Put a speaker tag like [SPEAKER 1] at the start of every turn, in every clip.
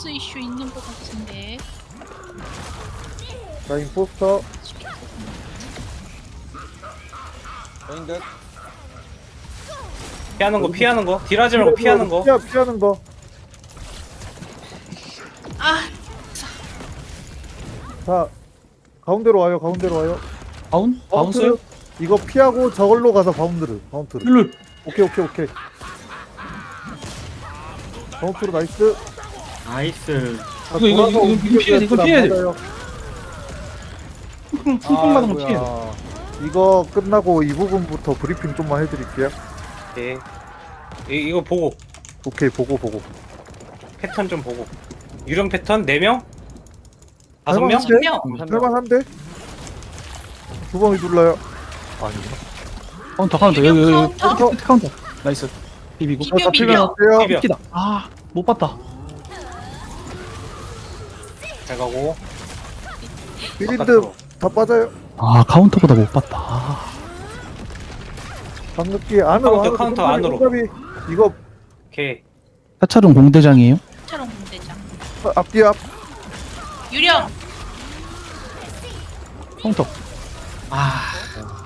[SPEAKER 1] 밸런스 이슈 있는 것 같은데.
[SPEAKER 2] 자, 임포스터.
[SPEAKER 3] 저인 듯.
[SPEAKER 4] 피하는 거 피하는 거 딜하지 말고 피하는 거.
[SPEAKER 2] 피하는 거.
[SPEAKER 1] 아,
[SPEAKER 2] 자, 가운데로 와요. 가운데로 와요.
[SPEAKER 5] 바운? 바운스요?
[SPEAKER 2] 바운트. 이거 피하고 저걸로 가서 바운드를. 바운트를.
[SPEAKER 5] 룰.
[SPEAKER 2] 오케이. 바운트로 나이스.
[SPEAKER 5] 나이스.
[SPEAKER 2] 자,
[SPEAKER 5] 이거
[SPEAKER 2] 돌아서
[SPEAKER 5] 피해야 돼, 이거 피해야 돼.
[SPEAKER 2] 맞아요.
[SPEAKER 5] 쿵쿵 맞은 거 피해.
[SPEAKER 2] 이거 끝나고 이 부분부터 브리핑 좀만 해드릴게요.
[SPEAKER 4] 예. 이거 보고
[SPEAKER 2] 오케이, 보고.
[SPEAKER 4] 패턴 좀 보고. 유령 패턴 4명? 5명?
[SPEAKER 2] 할만한데?
[SPEAKER 1] 명.
[SPEAKER 2] 할만한데? 두 번이 눌러요. 아니구나.
[SPEAKER 5] 카운터
[SPEAKER 1] 유령
[SPEAKER 5] 여기
[SPEAKER 1] 카운터?
[SPEAKER 5] 카운터. 나이스. 비비고.
[SPEAKER 1] 비벼,
[SPEAKER 2] 잡히면
[SPEAKER 1] 비벼.
[SPEAKER 2] 어때요?
[SPEAKER 4] 비벼.
[SPEAKER 5] 피다. 아, 못 봤다.
[SPEAKER 4] 잘 가고.
[SPEAKER 2] 비린드
[SPEAKER 4] 바깥으로.
[SPEAKER 2] 다 빠져요.
[SPEAKER 5] 아, 카운터보다 못 봤다. 아,
[SPEAKER 2] 방긋기 안으로.
[SPEAKER 4] 카운터 안으로.
[SPEAKER 2] 손잡이. 이거
[SPEAKER 4] 오케이.
[SPEAKER 5] 사찰은 공대장이에요?
[SPEAKER 1] 차롱 공대장.
[SPEAKER 2] 앞뒤 앞.
[SPEAKER 1] 유령.
[SPEAKER 5] 카운터. 아.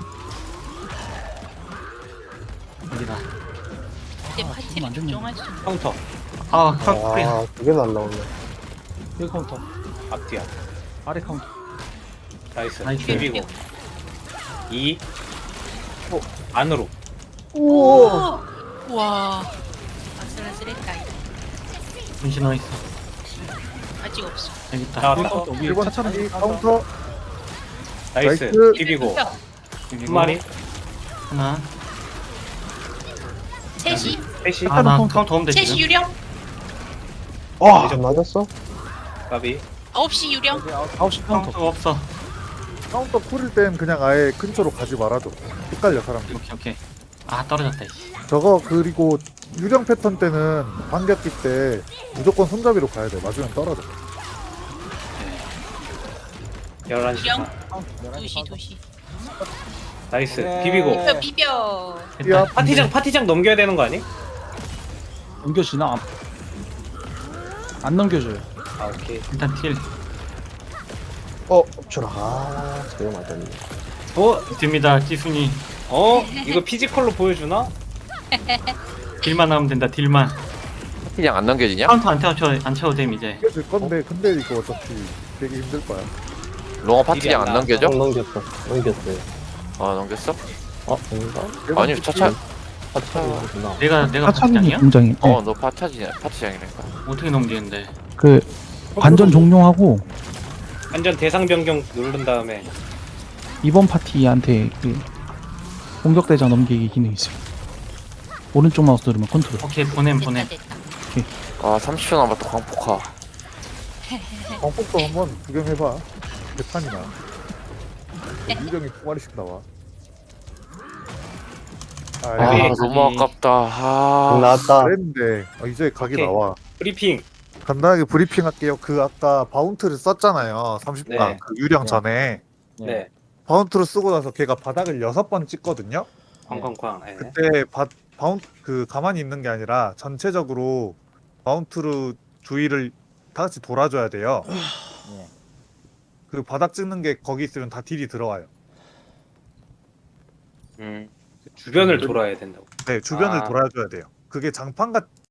[SPEAKER 5] 여기다.
[SPEAKER 1] 이제 파티를
[SPEAKER 5] 안 됐네.
[SPEAKER 1] 조정할 수 있는.
[SPEAKER 4] 카운터.
[SPEAKER 5] 아, 카운터.
[SPEAKER 2] 두개 날라오네.
[SPEAKER 5] 여기 카운터.
[SPEAKER 4] 앞뒤야.
[SPEAKER 5] 아래 카운터.
[SPEAKER 4] 나이스.
[SPEAKER 5] 나이스.
[SPEAKER 4] 비비고. 2. 안으로.
[SPEAKER 2] 오.
[SPEAKER 1] 와. 아슬아슬했다. 이거.
[SPEAKER 5] 분신 어디 있어?
[SPEAKER 1] 아직 없어.
[SPEAKER 5] 여기 있다.
[SPEAKER 4] 자,
[SPEAKER 5] 여기
[SPEAKER 4] 카운터.
[SPEAKER 5] 카운터. 위에
[SPEAKER 2] 1번
[SPEAKER 5] 사찰은
[SPEAKER 2] 차기 카운터.
[SPEAKER 4] 나이스.
[SPEAKER 2] 나이스.
[SPEAKER 4] 비비고.
[SPEAKER 5] 비비고.
[SPEAKER 4] 한 마리.
[SPEAKER 5] 하나.
[SPEAKER 1] 셋이.
[SPEAKER 4] 셋이.
[SPEAKER 5] 아, 나 카운터 오면 돼
[SPEAKER 1] 셋이
[SPEAKER 5] 지금.
[SPEAKER 1] 유령.
[SPEAKER 2] 와.
[SPEAKER 4] 맞았어? 까비.
[SPEAKER 1] 9시 유령.
[SPEAKER 5] 9시 카운터 없어.
[SPEAKER 2] 카운터 쿨일 땐 그냥 아예 근처로 가지 말아줘. 헷갈려 사람들.
[SPEAKER 5] 오케이. 아, 떨어졌다. 이씨.
[SPEAKER 2] 저거 그리고 유령 패턴 때는 반격기 때 무조건 손잡이로 가야 돼. 맞으면 떨어져.
[SPEAKER 4] 11시.
[SPEAKER 1] 유령.
[SPEAKER 4] 반.
[SPEAKER 1] 2시.
[SPEAKER 4] 나이스.
[SPEAKER 3] 오케이.
[SPEAKER 4] 비비고.
[SPEAKER 1] 비벼.
[SPEAKER 2] 야,
[SPEAKER 5] 됐다.
[SPEAKER 4] 파티장 넘겨야 되는 거 아니?
[SPEAKER 5] 넘겨지나? 안 넘겨줘요.
[SPEAKER 4] 아, 오케이.
[SPEAKER 5] 일단 딜.
[SPEAKER 2] 저거 맞았네.
[SPEAKER 5] 됩니다. 지순이.
[SPEAKER 4] 이거 피지컬로 보여주나?
[SPEAKER 5] 딜만 하면 된다. 딜만.
[SPEAKER 6] 그냥 안 넘겨지냐?
[SPEAKER 5] 카운터 안 채워도 됨 이제.
[SPEAKER 2] 이게 될 건데 근데 이거 어차피 되게 힘들 거야.
[SPEAKER 6] 롱어 파티장
[SPEAKER 4] 딜이
[SPEAKER 6] 안
[SPEAKER 4] 안
[SPEAKER 6] 넘겨져?
[SPEAKER 7] 넘겼어. 넘겼어요.
[SPEAKER 6] 어 넘겼어?
[SPEAKER 7] 아닌가?
[SPEAKER 6] 아니 차차
[SPEAKER 7] 파차이구나.
[SPEAKER 5] 내가
[SPEAKER 8] 사차기
[SPEAKER 5] 파티장이야?
[SPEAKER 8] 공장이
[SPEAKER 6] 너 파티장이라니까.
[SPEAKER 5] 어떻게 넘기는데?
[SPEAKER 8] 그 관전 종료하고
[SPEAKER 4] 완전 대상 변경 누른 다음에
[SPEAKER 8] 이번 파티한테 그 공격대장 넘기기 기능이 있어요. 오른쪽 마우스 누르면 컨트롤.
[SPEAKER 5] 오케이 보냄.
[SPEAKER 1] 됐다.
[SPEAKER 6] 아 30초 남았다 광폭화.
[SPEAKER 2] 광폭도 한번 구경해봐. 대판이나. 유령이 두 마리씩 나와.
[SPEAKER 6] 아
[SPEAKER 4] 네.
[SPEAKER 6] 너무 아깝다. 아
[SPEAKER 7] 나왔다.
[SPEAKER 2] 그랬는데 이제 각이
[SPEAKER 4] 오케이.
[SPEAKER 2] 나와.
[SPEAKER 4] 브리핑.
[SPEAKER 2] 간단하게 브리핑 할게요. 그 아까 바운트를 썼잖아요. 30강
[SPEAKER 4] 네.
[SPEAKER 2] 그 유령 전에
[SPEAKER 4] 네.
[SPEAKER 2] 바운트를 쓰고 나서 걔가 바닥을 6번 찍거든요.
[SPEAKER 4] 쾅쾅쾅. 네.
[SPEAKER 2] 그때 바운트 가만히 있는 게 아니라 전체적으로 바운트로 주위를 다 같이 돌아줘야 돼요. 그 바닥 찍는 게 거기 있으면 다 딜이 들어와요.
[SPEAKER 4] 주변을 돌아야 된다고.
[SPEAKER 2] 네, 주변을
[SPEAKER 4] 아.
[SPEAKER 2] 돌아줘야 돼요. 그게 장판 같